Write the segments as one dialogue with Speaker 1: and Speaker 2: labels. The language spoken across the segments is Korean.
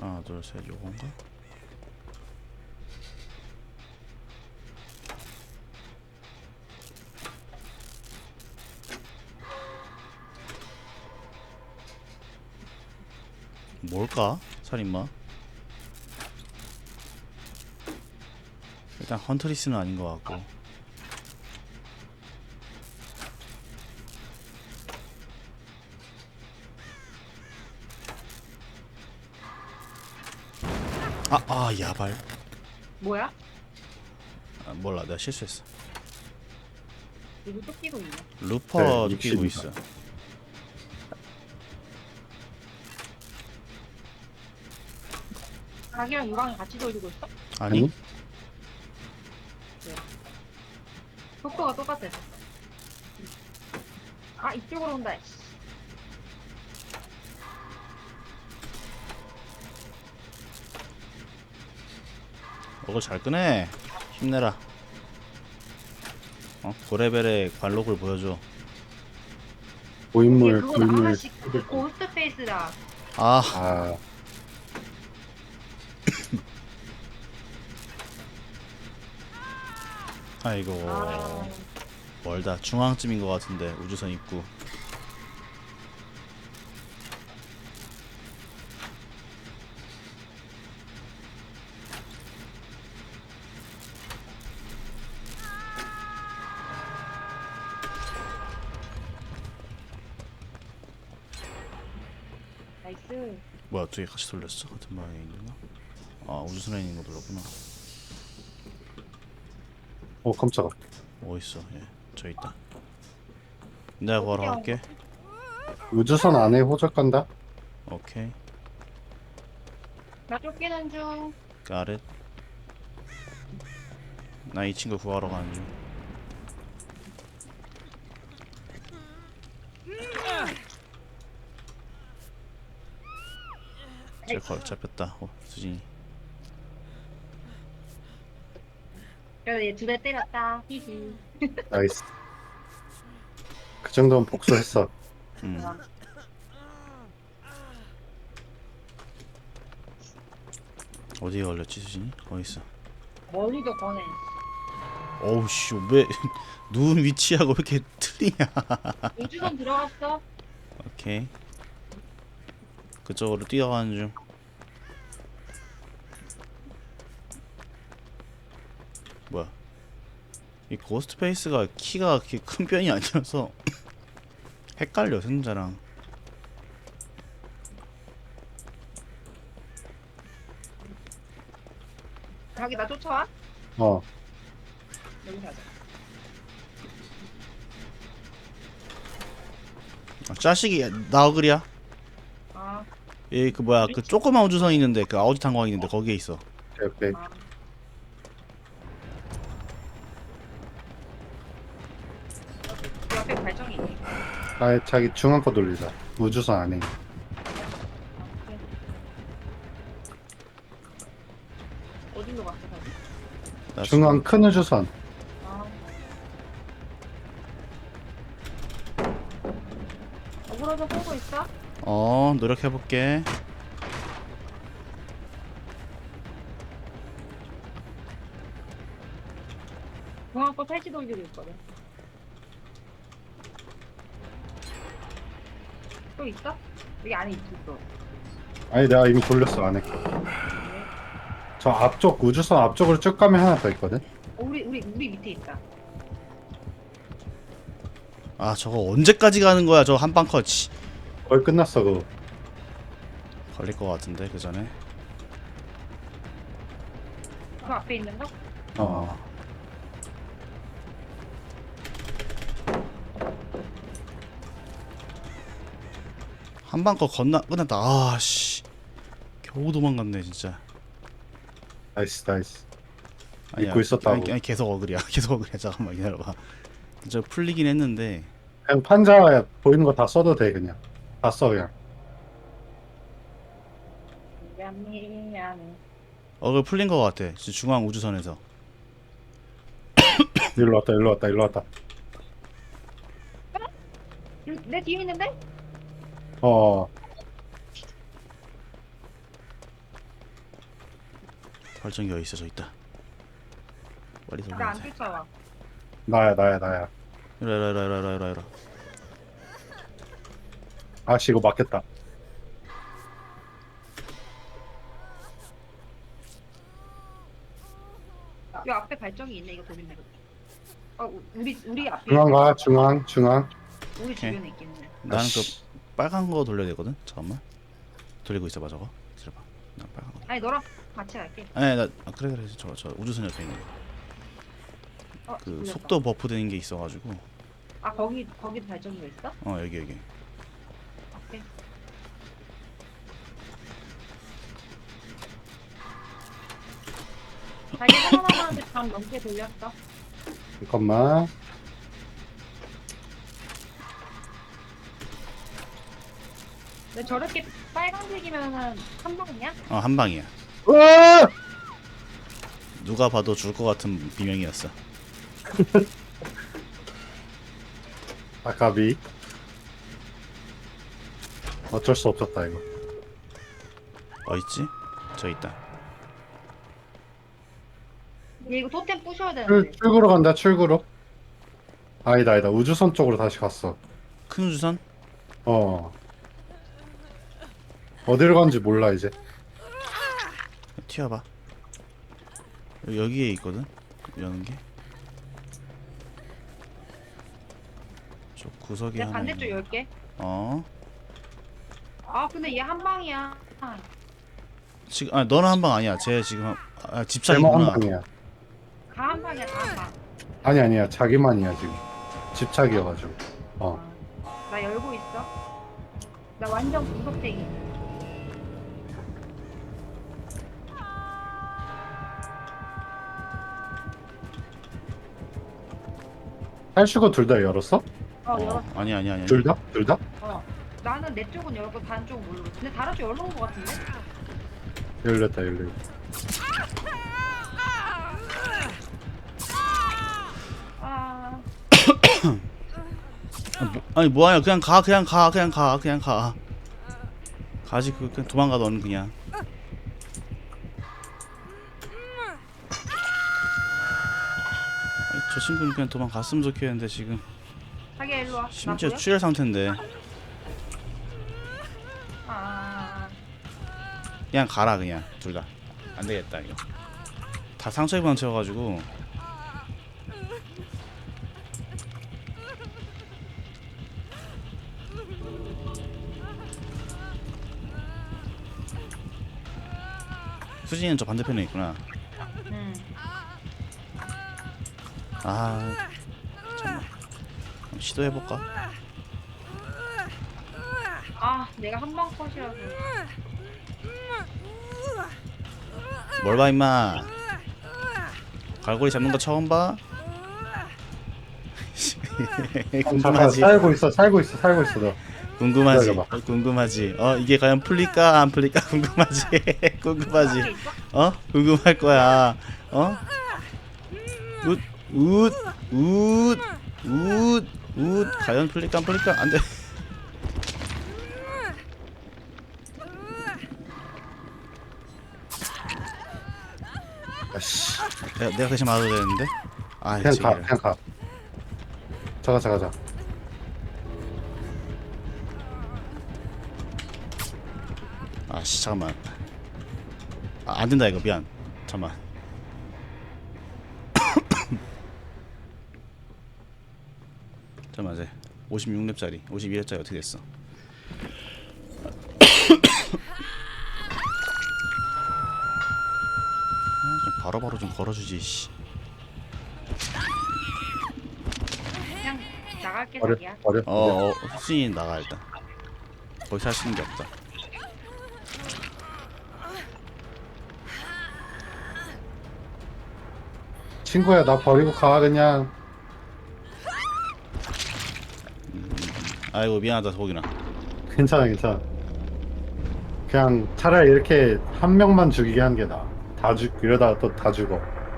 Speaker 1: 하나 둘 셋 요건가? 뭘까? 살인마? 일단 헌트리스는 아닌 것 같고. 야발.
Speaker 2: 뭐야?
Speaker 1: 아, 몰라, 내가 실수했어.
Speaker 2: 이거 또 끼고 있네.
Speaker 1: 루퍼도
Speaker 3: 네,
Speaker 1: 끼고
Speaker 3: 60이다.
Speaker 1: 있어.
Speaker 2: 자기랑 유랑이 같이 돌리고 있어?
Speaker 1: 아니?
Speaker 2: 속도가 똑같아. 아, 이쪽으로 온다. 씨.
Speaker 1: 이걸 잘 끄네. 힘내라. 고레벨의 관록을 보여줘.
Speaker 3: 고인물
Speaker 2: 그거
Speaker 3: 고인물
Speaker 2: 하나씩 고스트 페이스다.
Speaker 1: 아,
Speaker 3: 아
Speaker 1: 아이고.
Speaker 2: 아,
Speaker 1: 멀다. 중앙쯤인 것 같은데 우주선 입구.
Speaker 2: 나이스.
Speaker 1: 뭐야, 두 개 같이 돌렸어? 같은 방향에 있나? 아, 우주선에 있는 거 돌렸구나.
Speaker 3: 깜짝아.
Speaker 1: 어딨어? 예, 저 있다. 내가 구하러 갈게.
Speaker 3: 우주선 안에 호적 간다.
Speaker 1: 오케이.
Speaker 2: 나 쫓기는 중.
Speaker 1: got it. 나 이 친구 구하러 가는 중. 쟤 잡혔다. 수진이.
Speaker 2: 그래도 얘 두 대 때렸다. 히히.
Speaker 3: 나이스. 그 정도면 복수했어.
Speaker 1: 어디에 걸렸지, 수진이? 어딨어?
Speaker 2: 멀리도 거네.
Speaker 1: 어우 씨, 왜 누운 위치하고 왜 이렇게 틀리냐?
Speaker 2: 우주선 들어갔어.
Speaker 1: 오케이. 그쪽으로 뛰어가는 중. 뭐야? 이 고스트 페이스가 키가 그렇게 큰 편이 아니어서 헷갈려, 생자랑.
Speaker 2: 자기 나 쫓아와?
Speaker 3: 어
Speaker 2: 여기 가자.
Speaker 1: 자식이 나어글이야.
Speaker 2: 아,
Speaker 1: 얘 그 뭐야, 그 조그만 우주선 있는데, 그 아우지 탄광 있는데 거기에 있어.
Speaker 3: 오케이.
Speaker 2: 아. 그 옆에 발정이 있네.
Speaker 3: 아 자기 중앙 거 돌리자. 우주선 안에.
Speaker 2: 어디로 갔어, 자기?
Speaker 1: 나
Speaker 3: 중앙 큰 우주선.
Speaker 2: 아. 억울해서 보고 있어?
Speaker 1: 노력해볼게.
Speaker 2: 중앙 거 탈지 돌리고 있거든. 또 있어? 여기 안에 있어.
Speaker 3: 아니 내가 이미 돌렸어 안에 거. 저 앞쪽 우주선 앞쪽으로 쭉 가면 하나 더 있거든.
Speaker 2: 우리 밑에 있다.
Speaker 1: 아, 저거 언제까지 가는 거야, 저 한방 컷. 씨.
Speaker 3: 거의 끝났어 그거.
Speaker 1: 걸릴 것 같은데, 그 전에.
Speaker 2: 그 앞에 있는 거?
Speaker 3: 어.
Speaker 1: 한방 컷 끝났다. 아, 씨. 겨우 도망갔네, 진짜.
Speaker 3: 나이스.
Speaker 1: 아니야,
Speaker 3: 믿고 있었다고.
Speaker 1: 아니, 계속 어글이야. 계속 어글이야. 잠깐만 기다려봐. 저 풀리긴 했는데.
Speaker 3: 그냥 판자 보이는 거 다 써도 돼 그냥. 다 써 그냥.
Speaker 2: 미안해.
Speaker 1: 어글 풀린 것 같아. 지금 중앙 우주선에서.
Speaker 3: 일로 왔다.
Speaker 2: 내 뒤에 있는데?
Speaker 3: 어.
Speaker 1: 발전기 어디 있어? 저 있다. 빨리
Speaker 2: 나
Speaker 1: 돌려야
Speaker 2: 안
Speaker 1: 돼.
Speaker 2: 쫓아와.
Speaker 3: 나야.
Speaker 1: 이라.
Speaker 3: 아씨 이거 맞겠다.
Speaker 2: 요 앞에 발전기 있네. 이거 돌리면 되겠다. 우리 앞에
Speaker 3: 중앙.
Speaker 2: 우리 주변에 있겠네.
Speaker 1: 나는
Speaker 3: 아씨.
Speaker 1: 그 빨간 거 돌려야 되거든. 잠깐만. 돌리고 있어봐 저거. 기다려봐. 나 빨간 거.
Speaker 2: 아니 너랑 같이 갈게.
Speaker 1: 아니 나 그래 저 우주선 옆에 있는 거. 그
Speaker 2: 돌렸다.
Speaker 1: 속도 버프 되는 게 있어가지고.
Speaker 2: 아 거기 발전기가 있어?
Speaker 1: 여기.
Speaker 2: 오케이. 자기 하나하나한테 잠 넘게 돌렸어.
Speaker 3: 잠깐만.
Speaker 2: 근데 저렇게 빨간색이면은 한 방이야?
Speaker 1: 한 방이야.
Speaker 3: 으아!
Speaker 1: 누가 봐도 줄 것 같은 비명이었어.
Speaker 3: 아까비. 어쩔 수 없었다 이거.
Speaker 1: 있지? 저 있다.
Speaker 2: 얘 이거 토템 부셔야 되는데.
Speaker 3: 출구로 간다 출구로. 아니다 우주선 쪽으로 다시 갔어.
Speaker 1: 큰 우주선?
Speaker 3: 어디로 간지 몰라 이제.
Speaker 1: 튀어봐. 여기에 있거든. 여는 게. 저 구석에
Speaker 2: 내가
Speaker 1: 하나.
Speaker 2: 반대쪽
Speaker 1: 있네.
Speaker 2: 열게.
Speaker 1: 아
Speaker 2: 근데 얘 한 방이야.
Speaker 1: 지금 너는 한 방 아니야. 쟤 지금
Speaker 3: 제목 한
Speaker 1: 집착이구나.
Speaker 3: 방이야.
Speaker 2: 다 한 방이야, 다 한 방.
Speaker 3: 아니야 자기만이야 지금. 집착이어가지고.
Speaker 2: 나 열고 있어. 나 완전 구석대기.
Speaker 3: 탈출구 둘 다 열었어?
Speaker 2: 열었어.
Speaker 1: 아니야.
Speaker 3: 둘 다?
Speaker 2: 나는 내 쪽은 열고 다른 쪽은 모르고. 근데 다른 쪽 열어놓은 거 같은데?
Speaker 3: 열렸다.
Speaker 2: 아,
Speaker 1: 아니 뭐하냐? 그냥 가. 가지 그냥 도망가 너는 그냥. 저 친구는 그냥 도망갔으면 좋겠는데 지금
Speaker 2: 자기야 일로 와.
Speaker 1: 심지어
Speaker 2: 나 보여?
Speaker 1: 출혈 상태인데 그냥 가라 그냥 둘 다. 안 되겠다 이거. 다 상처 입은 채워가지고. 수진이는 저 반대편에 있구나.
Speaker 2: 응.
Speaker 1: 잠깐만. 시도해볼까?
Speaker 2: 내가 한 방 컷이라서.
Speaker 1: 뭘 봐 임마. 갈고리 잡는 거 처음 봐?
Speaker 3: 잠깐
Speaker 1: 궁금하지?
Speaker 3: 살고 있어 너.
Speaker 1: 궁금하지?
Speaker 3: 기다려봐.
Speaker 1: 궁금하지? 이게 과연 풀릴까 안 풀릴까 궁금하지? 궁금하지?
Speaker 2: 앞에 있어?
Speaker 1: 궁금할 거야. 과연 풀릴까 안 풀릴까? 안 돼.
Speaker 3: 아씨.
Speaker 1: 내가 대신 맞아도 되는데?
Speaker 3: 그냥 가. 가자.
Speaker 1: 잠깐만. 안 된다 이거 미안. 잠깐만. 잠깐만 이제 56렙짜리 52렙짜리 어떻게 됐어? 좀 바로바로 좀 걸어주지 씨.
Speaker 2: 그냥 나갈게,
Speaker 3: 버려.
Speaker 2: 자기야.
Speaker 1: 수진이 나가 일단. 거기서 할 수 있는 게 없다.
Speaker 3: 친구야 나 버리고 가 그냥.
Speaker 1: 아이고 미안하다 소복이나.
Speaker 3: 괜찮아. 그냥 차라리 이렇게 한 명만 죽이게 하는 게 나아. 이러다가 또 다 죽어.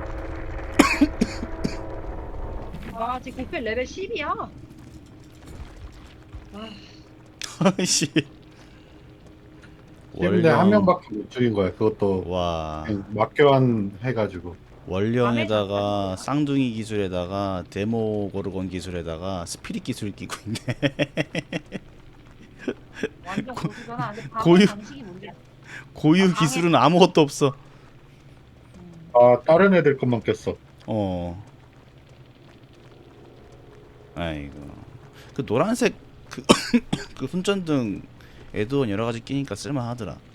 Speaker 2: 지금 국회 레벨 10이야.
Speaker 1: 아이씨.
Speaker 3: 근데 한 명밖에 못 죽인 거야. 그것도
Speaker 1: 와
Speaker 3: 그냥 막교환 해가지고.
Speaker 1: 원령에다가 쌍둥이 기술에다가 데모 고르곤 기술에다가 스피릿 기술 끼고 있네.
Speaker 2: 완전 고수잖아. 근데
Speaker 1: 고유-
Speaker 2: 방어 방식이 문제야.
Speaker 1: 고유
Speaker 2: 아,
Speaker 1: 기술은 아무것도 없어.
Speaker 3: 아, 다른 애들 것만 꼈어.
Speaker 1: 어. 아이고. 그 노란색 그 그 손전등 에드온 여러 가지 끼니까 쓸만하더라.